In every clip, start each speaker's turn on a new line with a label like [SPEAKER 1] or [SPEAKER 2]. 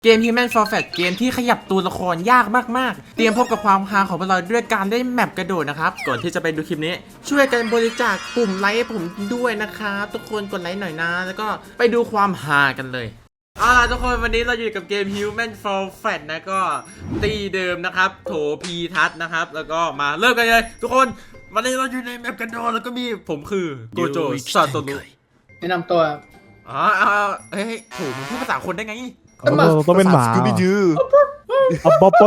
[SPEAKER 1] เกม Human for Fat เกมที่ขยับตัวละครยากมากๆเตรียมพบกับความฮาของพวกเราด้วยการได้แมปกระโดดนะครับก่อนที่จะไปดูคลิปนี้ช่วยกันบริจาคปุ่มไลค์ผมด้วยนะครับทุกคนกดไลค์หน่อยนะแล้วก็ไปดูความฮากันเลยทุกคนวันนี้เราอยู่กับเกม Human for Fat นะก็ตีเดิมนะครับโถพีทัศนะครับแล้วก็มาเริ่มกันเลยทุกคนวันนี้เราอยู่ในแมปกระโดดแล้วก็มีผมคือโกโจซาโตรุ
[SPEAKER 2] แนะนำตัว
[SPEAKER 1] เฮ้ยโถมึงพูดภาษาคนได้ไง
[SPEAKER 3] ต้องเป็นหมา
[SPEAKER 4] คือพี่ยือ
[SPEAKER 3] บ็อก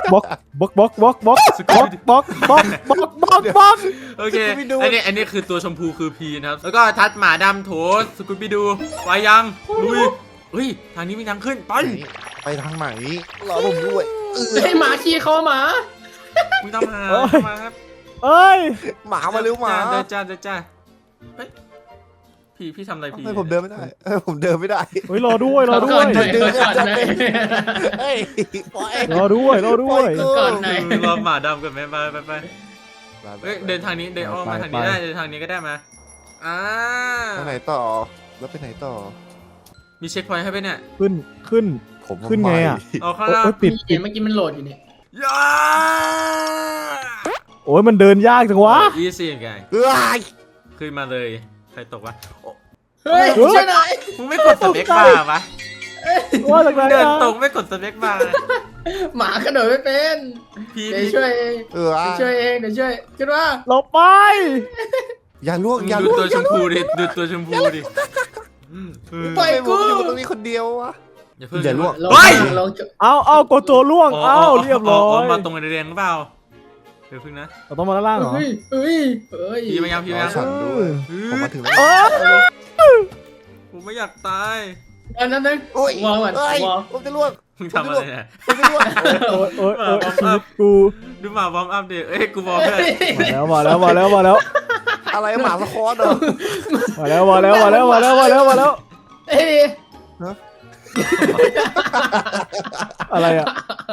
[SPEAKER 1] โอเคอันนี้คือตัวชมพูคือพีนะครับแล้วก็ทัดหมาดำโถสกูบิดูไปยังลุยเฮ้ยทางนี้มีทางขึ้น
[SPEAKER 4] ไปทางไหนรอผมด้วย
[SPEAKER 2] ให้หมาขี่คอหมา
[SPEAKER 1] มึงต้องมาครับ
[SPEAKER 3] เอ้ย
[SPEAKER 4] หมามาเร็วหมา
[SPEAKER 1] เดินจ้าเฮ้ยพี่ทำอะไรพี่
[SPEAKER 4] ผมเดินไม่ได้ผมเดินไม่ได้
[SPEAKER 3] เฮ้ยรอด้วย
[SPEAKER 4] เดิน
[SPEAKER 3] รอด้วย
[SPEAKER 2] ก่อนไหน
[SPEAKER 1] รอหมาดำกันไหมไปเฮ้ยเดินทางนี้เดินอ้อมมาทางนี้ได้เดินทางนี้ก็ได้มา
[SPEAKER 4] ทางไหนต่อแล้วไปไหนต่อ
[SPEAKER 1] มีเช็คพอยต์ให้ไปเนี่ย
[SPEAKER 3] ขึ้นไงอ่ะ
[SPEAKER 1] เอาข้างล่าง
[SPEAKER 3] ปิด
[SPEAKER 2] เมื่อกี้มันโหลดอยู่เนี่ย
[SPEAKER 3] โอ้ยมันเดินยากจังวะ
[SPEAKER 1] อีซี่ไงขึ้นมาเลยใครตกวะ
[SPEAKER 2] เฮ้ยช่วยหน่อย
[SPEAKER 1] มึงไม่กดสเปคบาร์ปะเดินตรงไม่กดสเปคบาร์
[SPEAKER 2] หมากระโดดไม่เป็นเดี๋ยวช่วยเองเดี๋ยวช่วยขึ้นว่า
[SPEAKER 3] หลบไป
[SPEAKER 4] อย่าล่วง
[SPEAKER 1] ดูตัวชมพูดิดูตัวชมพูดิ
[SPEAKER 2] ปล่อยกู
[SPEAKER 4] อยู่ตรงนี้คนเดียววะอย่าล่วง
[SPEAKER 3] เอาโกโจล่วงเรียบร้อย
[SPEAKER 1] มาตรงแดงหรือเปล่าเดี๋ยวพึ่งนะ
[SPEAKER 3] เราต้องมาด้านล่างเหรอ
[SPEAKER 1] พี่มายัง
[SPEAKER 4] ฉันด้วยผมมาถึงแล้ว
[SPEAKER 1] ผมไม่อยากตาย
[SPEAKER 2] นั่นวางก่อน
[SPEAKER 4] ผมจะล่วง
[SPEAKER 1] มึงทำอะไรเนี่ย
[SPEAKER 4] ผมจะล่วง
[SPEAKER 3] กู
[SPEAKER 1] ดูหมาวอร์มอัพดิกูบอกเลย
[SPEAKER 3] มาแล้ว
[SPEAKER 4] อะไรหมาสะคอนเหรอ
[SPEAKER 3] มาแล้วอะไรอ่ะ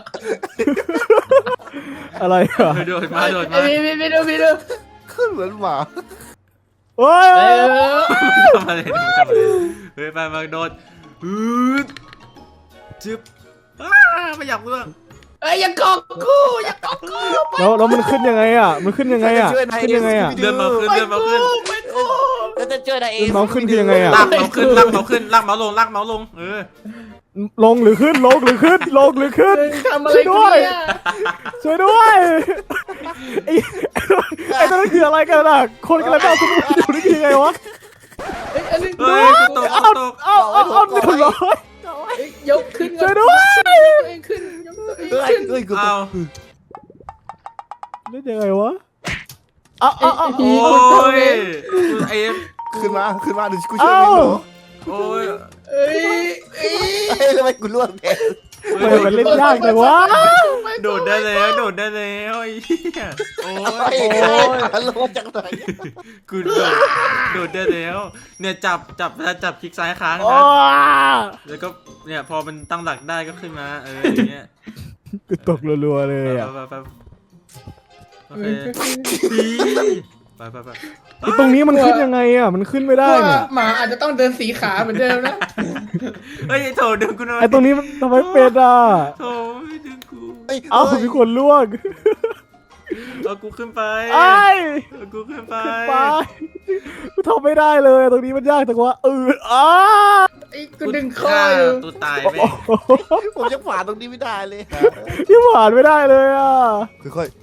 [SPEAKER 1] โดดมา
[SPEAKER 2] พี่ดู
[SPEAKER 4] ขึ้นเหมือนหมา
[SPEAKER 3] โอ้ย
[SPEAKER 1] ทำอะไรเฮ้ยไปมาโดดจึ๊บไม่อยากเลือก
[SPEAKER 2] อย่าเกาะกู
[SPEAKER 3] แล้วมันขึ้นยังไงอ่ะขึ้นยังไงอ่ะ
[SPEAKER 1] เดินมาขึ้น
[SPEAKER 2] แล้วจะช่วยนายเอง
[SPEAKER 3] เมาขึ้นคือยังไงอ่ะ
[SPEAKER 1] ลากเมาขึ้นลากเมาลง
[SPEAKER 3] ลงหรือขึ้น
[SPEAKER 2] ทำอะไรด้วย
[SPEAKER 3] ช่วยด้วยไอ้ตัวนั้นคืออะไรกันล่ะคนกำลังเอาคุณอยู่นี่ยังไงวะ
[SPEAKER 1] ตก
[SPEAKER 3] เอาหนึ่งร้อย
[SPEAKER 2] ยกขึ้น
[SPEAKER 3] ช่วยด้วย
[SPEAKER 2] ขึ้น
[SPEAKER 1] เอา
[SPEAKER 3] ได้ยังไงวะ
[SPEAKER 1] โอ้ยไอ้
[SPEAKER 4] ขึ้นมาเดี๋ยวกูช่วยมึง
[SPEAKER 1] โอ้ย
[SPEAKER 4] ทำไมกูล่วงแทน
[SPEAKER 3] มันเล่นยากจังวะ
[SPEAKER 1] โดดได้แล้วไอ้โอ้ย
[SPEAKER 4] ลงจากไหน
[SPEAKER 1] กูโดดได้แล้วเนี่ยจับคลิกซ้ายค้างนะแล้วก็เนี่ยพอมันตั้งหลักได้ก็ขึ้นมาอย่างเงี้ย
[SPEAKER 3] กูตกรัวๆเลยอ่ะ
[SPEAKER 1] โอเคไป
[SPEAKER 3] ตรงนี้มันขึ้นยังไงอ่ะมันขึ้นไม่ได้เนี่ย
[SPEAKER 2] หมาอาจจะต้องเดินสีขาเหมือนเดิมนะ
[SPEAKER 1] โถดึงกูหน่อย
[SPEAKER 3] ไอตรงนี้มันทำไมเป็นอ่ะ
[SPEAKER 1] โถดึงกู
[SPEAKER 3] มีคนล่วง
[SPEAKER 1] เอากูขึ้นไปกูขึ้นไป
[SPEAKER 3] กูทำไม่ได้เลยตรงนี้มันยากจังวะ
[SPEAKER 2] กูดึงคออยู่
[SPEAKER 1] ตัวตายไป
[SPEAKER 4] ผมจะผ่านตรงนี้ไม่ได้เลย
[SPEAKER 3] ที่ผ่านไม่ได้เลยอ่ะ
[SPEAKER 4] ค่อย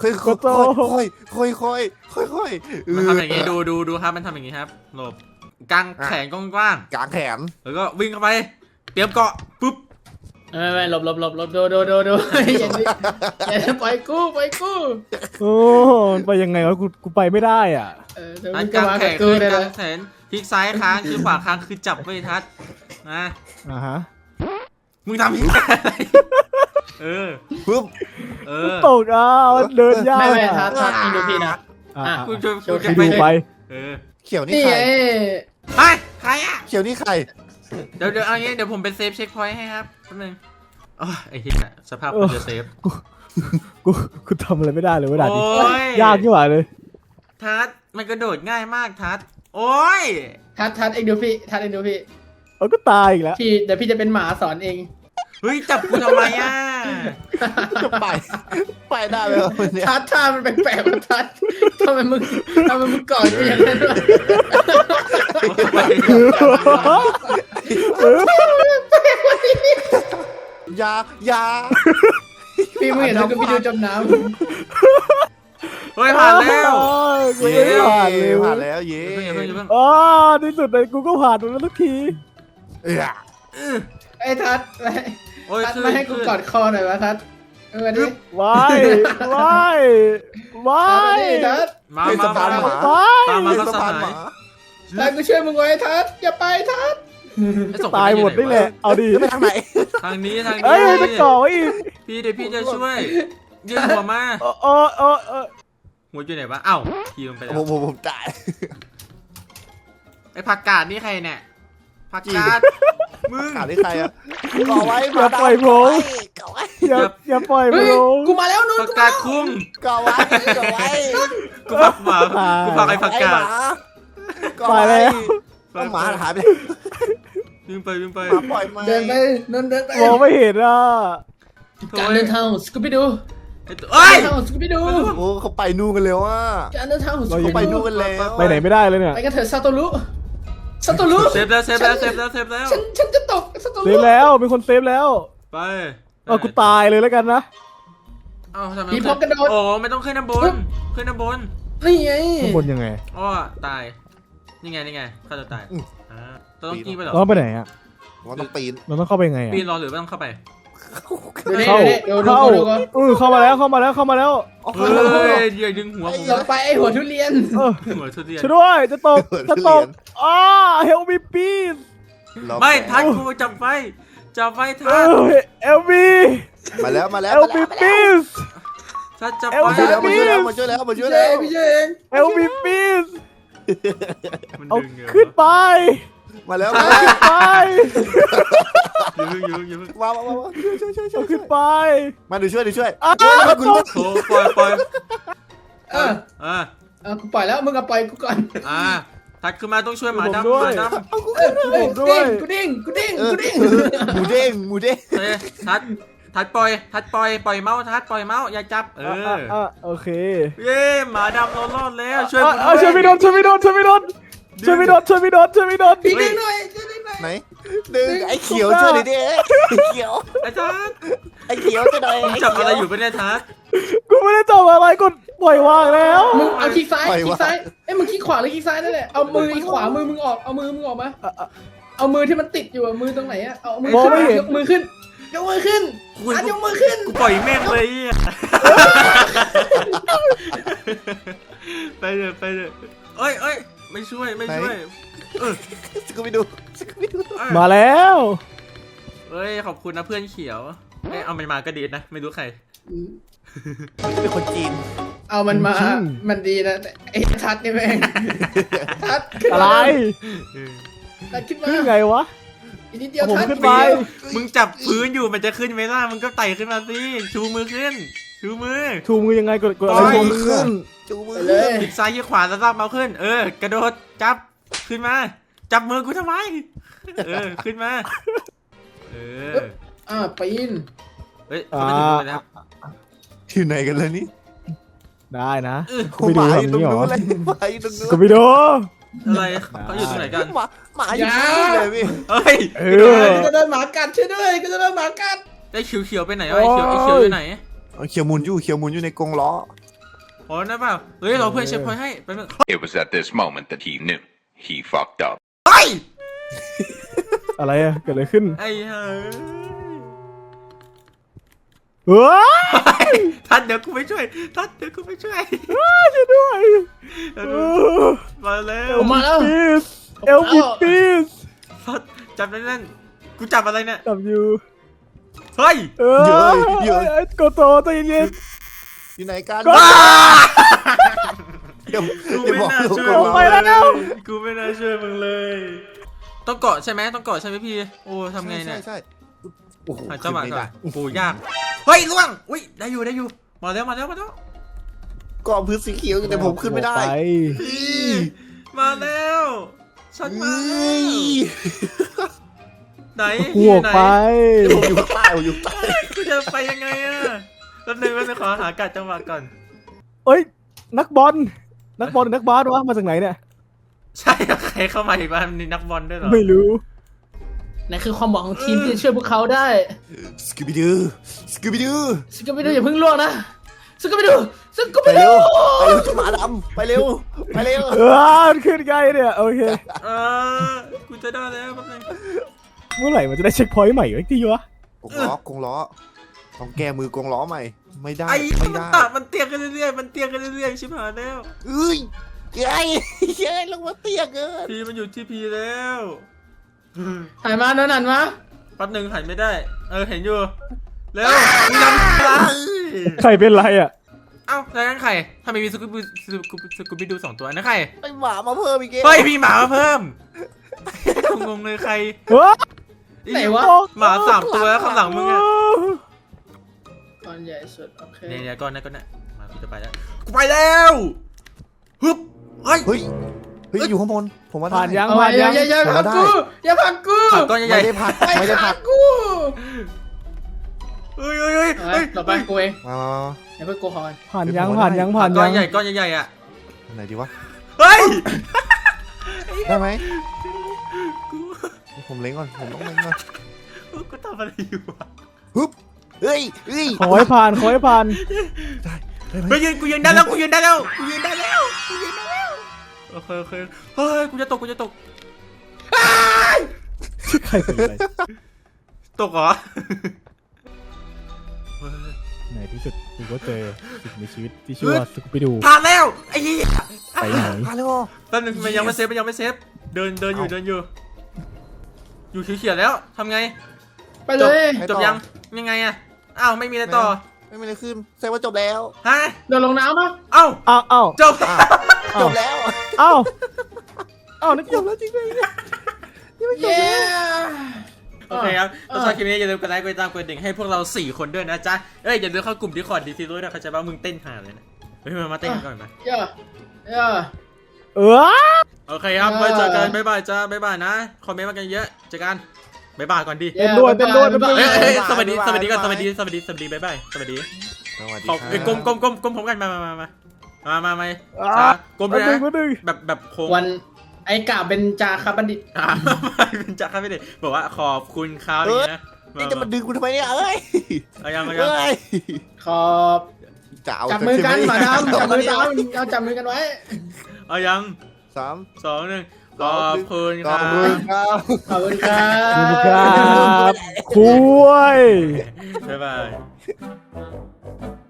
[SPEAKER 1] มันทำอย่างงี้ดูครับมันทำอย่างงี้ครับหลบกางแขนกว้าง
[SPEAKER 4] กางแขน
[SPEAKER 1] แล้วก็วิ่งเข้าไปเตรียมเกาะปุ๊บ
[SPEAKER 2] ไม่หลบดูอย่าปล่อยกู
[SPEAKER 3] โอ้ไปยังไงวะกูไปไม่ได้อ่ะ
[SPEAKER 1] กางแขนคือกางแขนพลิกซ้ายค้างคือขวาค้างคือจับไว้ทัดนะมึงทำยังไง
[SPEAKER 4] ปุ๊บ
[SPEAKER 3] ตกเดินยาก
[SPEAKER 2] ไม่ทัดดูพี่นะ
[SPEAKER 1] กูจะ
[SPEAKER 3] ไป
[SPEAKER 4] เขียวนี่ใคร
[SPEAKER 1] ใครอ่ะ
[SPEAKER 4] เขียวนี่ใคร
[SPEAKER 1] เดี๋ยวเอางี้เดี๋ยวผมเป็นเซฟเช็คพอยต์ให้ครับแป๊บนึงไอ้เหี้ยสภาพกูจะเซฟ
[SPEAKER 3] กูทำอะไรไม่ได้เลยเวลานี้ยากยิ่งกว่าเลย
[SPEAKER 1] ทัดมันกระโดดง่ายมากทัดโอ้ย
[SPEAKER 2] ทัดเองดูพี่
[SPEAKER 3] ก็ตายอีกแล้ว
[SPEAKER 2] เดี๋ยวพี่จะเป็นหมาสอนเอง
[SPEAKER 1] เฮ้ยจับกูทำไมอ่ะ
[SPEAKER 4] จะไปได้ไหมวันนี้
[SPEAKER 2] ทัดท่ามันแปลกๆทัดทำไมมึงก่อนกูอย่างนั้นวะ
[SPEAKER 4] ยา
[SPEAKER 2] พี่มึงเห็นเราก็ไปดูจมน้
[SPEAKER 1] เฮ้ยผ่านแล้ว
[SPEAKER 3] กูยังไม่ผ่านเลย
[SPEAKER 4] ผ่านแล้วเย้
[SPEAKER 1] อย่าเพิ่งอย่าเพิ่ง
[SPEAKER 3] อ๋อในสุดเลยกูก็ผ่านมันแล้วทุกที
[SPEAKER 2] ำไอ้ทัด
[SPEAKER 1] โอ้ย
[SPEAKER 2] ทัด
[SPEAKER 1] ขึ้น
[SPEAKER 2] มาให้กูกอดคอหน่อยวะทัดมาดิ
[SPEAKER 3] ว้ายว้ายว้า
[SPEAKER 2] ทัด
[SPEAKER 3] ย
[SPEAKER 2] มาดิทัด
[SPEAKER 1] มา
[SPEAKER 4] สะพานหมา
[SPEAKER 3] ว้าย
[SPEAKER 1] ตามมาก็
[SPEAKER 4] สะ
[SPEAKER 1] ส
[SPEAKER 4] พาน
[SPEAKER 1] หา
[SPEAKER 4] ห
[SPEAKER 1] ย
[SPEAKER 4] มา
[SPEAKER 2] ทัดกูช่วยมึงไว้ทัดอย่าไปทัด
[SPEAKER 1] ไอ้สองคน
[SPEAKER 3] ตายหมดนี่แหละเอาดิ
[SPEAKER 4] จะไปทางไหน
[SPEAKER 1] ทางนี้ทาง
[SPEAKER 3] เอ้ย
[SPEAKER 1] นี้
[SPEAKER 3] จะก่อไว้อีก
[SPEAKER 1] พี่เดี๋ยวพี่จะช่วยยื่นหัวมา หัวอยู่ไหนวะเอ้าทีมไปแล้ว
[SPEAKER 4] ผมจ่าย
[SPEAKER 1] ไอ้ผักกาดนี่ใครเนี่ยผักกาดมึง
[SPEAKER 4] ขาดที่ใครอะก่อไว้
[SPEAKER 3] อย่าปล่อยผม
[SPEAKER 4] ก่อไว้
[SPEAKER 3] อย่าปล่อยผ
[SPEAKER 2] เฮ้ย
[SPEAKER 3] ม
[SPEAKER 2] กูมาแล้วนู่น
[SPEAKER 1] ผักกาดคุ้ง
[SPEAKER 4] ก่อไว้ก่อไว้
[SPEAKER 1] กูผักหมากูผักไอ้ผักกาด
[SPEAKER 3] ไปแล้ว
[SPEAKER 4] หมาหายไป
[SPEAKER 1] วิ่งไปวิ่งไป
[SPEAKER 4] หมาปล่อยมา
[SPEAKER 2] เดินไปนั่นเดินไป
[SPEAKER 3] มองไม่เห็นอ่ะ
[SPEAKER 2] การเดินทางของสกูบี้ดู
[SPEAKER 1] ไอ้ตัวเอ้ย
[SPEAKER 2] การเดินทางของสกูบี้ดู
[SPEAKER 4] โอ้เขาไปนู่นกันแล้วอ่ะ
[SPEAKER 2] การเดินทางของส
[SPEAKER 3] เรา
[SPEAKER 2] กู
[SPEAKER 3] ยั
[SPEAKER 4] เขา
[SPEAKER 3] ง
[SPEAKER 4] ไป
[SPEAKER 2] บี้
[SPEAKER 4] นู่
[SPEAKER 2] ดู
[SPEAKER 4] นกันแล้ว
[SPEAKER 3] ไปไหนไม่ได้เลยเนี่ย
[SPEAKER 2] ไปกันเถอะซาโตรุซาโตรุ
[SPEAKER 1] เซฟแล้วเซฟแล้วเซฟแล้วเซฟแล้ว
[SPEAKER 2] ฉันจะตกซาโต
[SPEAKER 3] เซ
[SPEAKER 2] รุ
[SPEAKER 3] ฟแล้วมีคนเซฟแล้ว
[SPEAKER 1] ไป
[SPEAKER 3] กูตายเลยแล้วกันนะ
[SPEAKER 1] เอ้าทำไม
[SPEAKER 2] มีพร้อมกระโดด
[SPEAKER 1] โอ้ไม่ต้องขึ้นน้ำบนขึ้นน้ำบน
[SPEAKER 2] นี่ไง
[SPEAKER 3] ข้างบนยังไง
[SPEAKER 1] อ้อตายนี่ไงนี่ไงข้าจะตายต้องกี้ไปเหรอ
[SPEAKER 3] เราไปไหนอ่ะ
[SPEAKER 4] ว่าต้องปีน
[SPEAKER 3] เราต้องเข้าไปไงอ่ะ
[SPEAKER 1] ปีนรอหรือไม่ต้องเข้าไป
[SPEAKER 2] ดูนี่
[SPEAKER 3] เข้า
[SPEAKER 2] ดู
[SPEAKER 3] เข้า
[SPEAKER 2] ดูก่อน
[SPEAKER 3] เข้ามาแล้วเข้ามาแล้วเข้ามาแล้ว
[SPEAKER 1] เฮ้ยอย่าดึงหัวผม
[SPEAKER 2] ลงไปไอหัวทุเรียน
[SPEAKER 1] หัวทุเรียน
[SPEAKER 3] ช่วยด้วยจะตกจะตกเฮลมีปีส
[SPEAKER 1] ไม่ทันกูจับไฟจับไฟทัน
[SPEAKER 3] เอลบี
[SPEAKER 4] มาแล้ว
[SPEAKER 3] เอลบีปีส
[SPEAKER 1] ทันจับ
[SPEAKER 3] เอ
[SPEAKER 1] ไฟ
[SPEAKER 3] ล
[SPEAKER 4] มาช่วยแล้วมาช่วยแล้วมาช่วยแล้วมาช่วยแล้ว
[SPEAKER 2] พี่เจเอง
[SPEAKER 3] เอลบีปีส
[SPEAKER 1] มัน
[SPEAKER 3] เอา
[SPEAKER 1] ดึง
[SPEAKER 3] ขึ้นไป
[SPEAKER 4] มาแล้ว
[SPEAKER 3] ขึ้นไป
[SPEAKER 1] อยู่
[SPEAKER 4] มาช่วย
[SPEAKER 3] เอาขึ้นไป
[SPEAKER 4] มาดูช่วย
[SPEAKER 3] ตก
[SPEAKER 1] โถปล่อย
[SPEAKER 2] เออ
[SPEAKER 1] อ่า
[SPEAKER 2] กูปล่อยแล้วมึงก็ปล่อยกูก่อน
[SPEAKER 1] ทัดขึ้นมาต้องช่วยหมาดำหมาดำ
[SPEAKER 2] กูดิ้ง
[SPEAKER 4] หมูเด้ง
[SPEAKER 1] เฮ้ยทัดปล่อยเมาส์ทัดปล่อยเมาส์อย่าจับ
[SPEAKER 3] โอเค
[SPEAKER 1] เย้หมาดำเรารอดแล้วช่วย
[SPEAKER 3] ช่วยไม่โดนช่วยไม่โดนช่วยไม่โดนช่วยไม่โดนช่วยไม่โดนช่วยไม่โดน
[SPEAKER 2] พี่ดิ้งหน่อยดิ้งหน่อย
[SPEAKER 4] ไหนดึงไอ้เขียวช่วยหน่อยดิเขียว
[SPEAKER 1] ไอ้ทัด
[SPEAKER 4] ไอ้เขียวจะหน่อย
[SPEAKER 1] จับอะไรอยู่เป็นไงทัด
[SPEAKER 3] กูไม่ได้จับอะไรกูปล่อยวางแล้ว
[SPEAKER 2] มึงเอาคลิกซ้ายเอ้ยมึงคลิกขวาหรือคลิกซ้ายนั่นแหละเอามือขวามือมึงออกเอามือมึงออกมาเอามือที่มันติดอยู่มือตรงไหนอะเอามือขึ้นยกมือขึ้นยกมือขึ้นยกมือขึ้น
[SPEAKER 1] กูปล่อยแม่งเลยไปเลยเอ้ยไม่ช่วย
[SPEAKER 4] สกูบิดู
[SPEAKER 3] มาแล้ว
[SPEAKER 1] เอ้ยขอบคุณนะเพื่อนเขียวเอามันมาก็ดีนะไม่รู้ใคร
[SPEAKER 4] เป็นคนจีน
[SPEAKER 2] เอามันมามันดีนะไอ้ทัดนี่แม่งทัด
[SPEAKER 3] อะไร
[SPEAKER 2] ทัดขึ้นมา
[SPEAKER 3] ขึ้นไงวะ
[SPEAKER 2] อีกนิดเดียว
[SPEAKER 3] ผม
[SPEAKER 2] ทัด
[SPEAKER 3] ขึ้นไป
[SPEAKER 1] มึงจับพื้นอยู่มันจะขึ้นไหมล่ะมึงก็ไต่ขึ้นมาสิชูมือขึ้นชูมือ
[SPEAKER 3] ชูมือยังไงกด
[SPEAKER 1] ปล่
[SPEAKER 3] อะไร
[SPEAKER 1] อย
[SPEAKER 3] ชูมือขึ้น
[SPEAKER 4] จูมือ
[SPEAKER 2] เลย
[SPEAKER 1] คลิกซ้ายคลิกขวาแล้วลากเมาส์ขึ้นกระโดดจับขึ้นมาจับมือกูทำไมขึ้นมา
[SPEAKER 2] ปีน
[SPEAKER 1] เฮ้ยเขาไม่ถึงเลยนะครับ
[SPEAKER 4] ที่ไหนกันแล้วนี่
[SPEAKER 3] ได้นะ
[SPEAKER 4] หมาอยู่ตรงนู้นเลยหมาอยู่ตรงนู้น
[SPEAKER 3] กูไปดู
[SPEAKER 1] อะไรเขาอยู่ตรงไหนกัน
[SPEAKER 4] หมาอยู่ตรงนู้นเลยพี่
[SPEAKER 1] เฮ้ย
[SPEAKER 2] กูจะโดนหมากัดช่วยด้วยกูจะโดนหมากัด
[SPEAKER 1] ได้เขียวไปไหนไอ้เขียวอยู่ไหน
[SPEAKER 4] เขียวมุนอยู่ในกรงล้อ
[SPEAKER 1] โอ้นั่นเปล่าเฮ้ยเราเพื่อนเช็คพอยต์ให้ไปมึง
[SPEAKER 5] It was at this moment that he knew he fucked up.
[SPEAKER 1] เฮ้ย
[SPEAKER 3] อะไรอะเกิดอะไรขึ้น
[SPEAKER 1] ไอ้เฮ้ย
[SPEAKER 3] ว้า
[SPEAKER 1] ทัดเดี๋ยวกูไม่ช่วยช่วยด้วย มาแล้ว
[SPEAKER 2] มาแล้ว
[SPEAKER 3] ปีสเอลบีปีส
[SPEAKER 1] ทัดจับนั่นกูจับอะไรเนี่ย
[SPEAKER 3] จับอยู่
[SPEAKER 1] เฮ้ย
[SPEAKER 3] โกโตใจเย็น
[SPEAKER 4] อยู่ไหนกัน
[SPEAKER 3] ก็
[SPEAKER 4] อย่า
[SPEAKER 1] กู
[SPEAKER 4] อย่า
[SPEAKER 1] ไม่
[SPEAKER 4] บอก
[SPEAKER 1] น่า
[SPEAKER 4] ลูก
[SPEAKER 1] ช่วย
[SPEAKER 4] กรง
[SPEAKER 1] มึง
[SPEAKER 4] ล้อ
[SPEAKER 1] เลยกูไม่น่าช่วยมึงเลย ต้องเกาะใช่ไหมพี่โอ้ทำไงเนี่ย
[SPEAKER 4] ใช่โอ้โห
[SPEAKER 1] หาจังหวะก่อนโอ้โหยากเฮ้ยล่วงอุ้ยได้อยู่มาแล้ว
[SPEAKER 4] กองพื้นสีเขียวแต่ผมขึ้นไม่ได้
[SPEAKER 1] มาแล้วฉันมาแล้วไหน
[SPEAKER 3] กูออกไป
[SPEAKER 4] ผมอยู่ข้างใต้ผมอยู่ใต้
[SPEAKER 1] กูจะไปยังไงอะแป๊บนึงขอหากัดจังหวะก่อน
[SPEAKER 3] เอ้ยนักบอลนักบาสวะมาจากไหนเนี่ย
[SPEAKER 1] ใช่เหรอใครเข้ามาอีกบ้างมีนักบอลด้วยเหรอ
[SPEAKER 3] ไม่รู้
[SPEAKER 2] นั่นคือความหวังของทีมที่จะช่วยพวกเขาได้
[SPEAKER 4] สกูบิดูสกูบิดู
[SPEAKER 2] สกูบิดูอย่าเพิ่งล่วงนะสกูบิดูสกู
[SPEAKER 4] ไป
[SPEAKER 2] บิ
[SPEAKER 4] เร็
[SPEAKER 2] ดู
[SPEAKER 4] วไปเร็วจะหมาดำไปเร็วไปเร็ว
[SPEAKER 3] มันขึ้นไงเนี่ยโอเค
[SPEAKER 1] เออกูจะได้แล้วแป๊บนึง
[SPEAKER 3] เมื่อไหร่มันจะได้เช็คพอยต์ใหม่ไว้ที่วะ
[SPEAKER 4] กงล้ต้องแก้มือกงล้อใหม่ไม่ได้
[SPEAKER 1] ไอ้
[SPEAKER 4] ไม่
[SPEAKER 1] มัน
[SPEAKER 4] ได้
[SPEAKER 1] ตัดมันเตี้ยกันเรื่อยๆมันเตี้ยกันเรื่อยๆชิบหายแล้ว
[SPEAKER 4] เอ้ยยัยยัยลงมาเตี้ยเกิน
[SPEAKER 1] พีมันอยู่ที่พีแล้ว
[SPEAKER 2] หันมาโดนหันมา
[SPEAKER 1] แป๊บนึงหันไม่ได้เห็นอยู่เร็วมึงนำอะไร
[SPEAKER 3] ใครเป็นไรอ่ะ
[SPEAKER 1] เอ้าแล้วนั่นใครทำไมมีสกูบิดู2ตัวนั่นใคร
[SPEAKER 4] ไอหมามาเพิ่มอีกเก
[SPEAKER 1] เฮ้ยมีหมามาเพิ่มงงเลยใคร
[SPEAKER 3] เฮ้ย
[SPEAKER 2] ไหนวะ
[SPEAKER 1] หมา3ตัวข้างหลังมึงอะ
[SPEAKER 2] ก้อนใหญ่สุดโอเค
[SPEAKER 1] เนี่ยก้อนนั้นมากูจะไปแล้วกูไปแล้วฮึบเฮ้ย
[SPEAKER 4] เฮ้ยอยู่ข้างบนผมว่าได้
[SPEAKER 3] ผ่านยัง
[SPEAKER 2] เอาไว้อย่าผลักกูอย่าผลักกู
[SPEAKER 1] ผักก้อนใหญ่
[SPEAKER 4] ไม่ได้ผัดไม่ได้ผัด
[SPEAKER 2] กู
[SPEAKER 1] เฮ้ย
[SPEAKER 2] ต่อไปกูเอง
[SPEAKER 4] มา
[SPEAKER 2] อย่าเพิ่งกูขอกัน
[SPEAKER 3] ผ่านยัง
[SPEAKER 1] ก้อนใหญ่อ่ะ
[SPEAKER 4] ไหนดีวะ
[SPEAKER 1] เฮ้ย
[SPEAKER 4] ได้ไหมผมเล้งก่อนผมต้องเล้งก่อน
[SPEAKER 1] กูทำอะไรอยู่วะ
[SPEAKER 4] ฮึบเฮ้ย
[SPEAKER 3] ขอให้ผ่านขอให้ผ่าน
[SPEAKER 4] ได้ไหม
[SPEAKER 1] เฮ้ยกูยืนได้แล้วโอเคเฮ้ยกูจะตก
[SPEAKER 3] ใครเป็นอะไร
[SPEAKER 1] ตกเหรอ
[SPEAKER 3] ในที่สุดกูก็เจอสิ่งมีชีวิตที่ชื่อว่าสกูปิดู
[SPEAKER 1] ผ่านแล้วไอ้เหี้ย
[SPEAKER 3] ไปไหน
[SPEAKER 4] มาแล้ว
[SPEAKER 1] แป๊บนึงมันยังไม่เซฟเดินอยู่อยู่เขียวๆแล้วทำไง
[SPEAKER 2] ไปเลย
[SPEAKER 1] จบยังไงอะอ้าวไม่มีอะไรต่อ
[SPEAKER 4] ไม่มีอะไรขึ้นแสดงว่าจบแล้ว
[SPEAKER 1] ฮะ
[SPEAKER 2] เดินลงน้ำปะ
[SPEAKER 1] เอ้า
[SPEAKER 3] อ้าว
[SPEAKER 1] จบ
[SPEAKER 4] จบแล้ว
[SPEAKER 3] อ้าวนึกจบแล้วจริงเลย
[SPEAKER 2] เย้
[SPEAKER 1] โอเคครับถ้าชอบคลิปนี้อย่าลืมกดไลค์กดติดตามกดดิ่งให้พวกเรา4คนด้วยนะจ๊ะอย่าลืมเข้ากลุ่ม Discord ดีซีด้วยนะเขาใจว่ามึงเต้นหาเลยนะเฮ้ยมาเต้นกันก่อนมา
[SPEAKER 2] เย้
[SPEAKER 1] โอเคครับไว้เจอกันบ๊ายบายจ้าบ๊ายบายนะคอมเมนต์มากันเยอะเจอกันบ๊ายบายก่อนดิ
[SPEAKER 3] เต้นด้วย
[SPEAKER 1] สวัสดีก่อนสวัสดีบ๊ายบายสวัสดี
[SPEAKER 4] สวัสดี
[SPEAKER 1] ขอบ
[SPEAKER 4] ครับ
[SPEAKER 1] ก้มผมกันมาก้มด้วยนะแบบโค้ง
[SPEAKER 2] วันไอ้กาเป็นจาคาบัณฑิต
[SPEAKER 1] เป็นจักรไม่ได้บอกว่าขอบคุณครับอย่างนี้นะ
[SPEAKER 4] นี่จะมาดึงกูทำไมเนี่ยเอ้ย
[SPEAKER 1] เอายัง
[SPEAKER 4] เอ้ย
[SPEAKER 2] ขอบ
[SPEAKER 4] จะเอา
[SPEAKER 2] จับมือกันหมาดำจับมือกันเอาจับมือกันไว้
[SPEAKER 1] เอายัง
[SPEAKER 4] 3
[SPEAKER 1] 2 1ขอบคุณค
[SPEAKER 4] ข
[SPEAKER 1] รั
[SPEAKER 4] อบคุณ
[SPEAKER 1] บ
[SPEAKER 4] ครับ
[SPEAKER 2] ขอบคุณครั
[SPEAKER 3] ขอบคุณครับ บคุย
[SPEAKER 1] บ๊ายบาย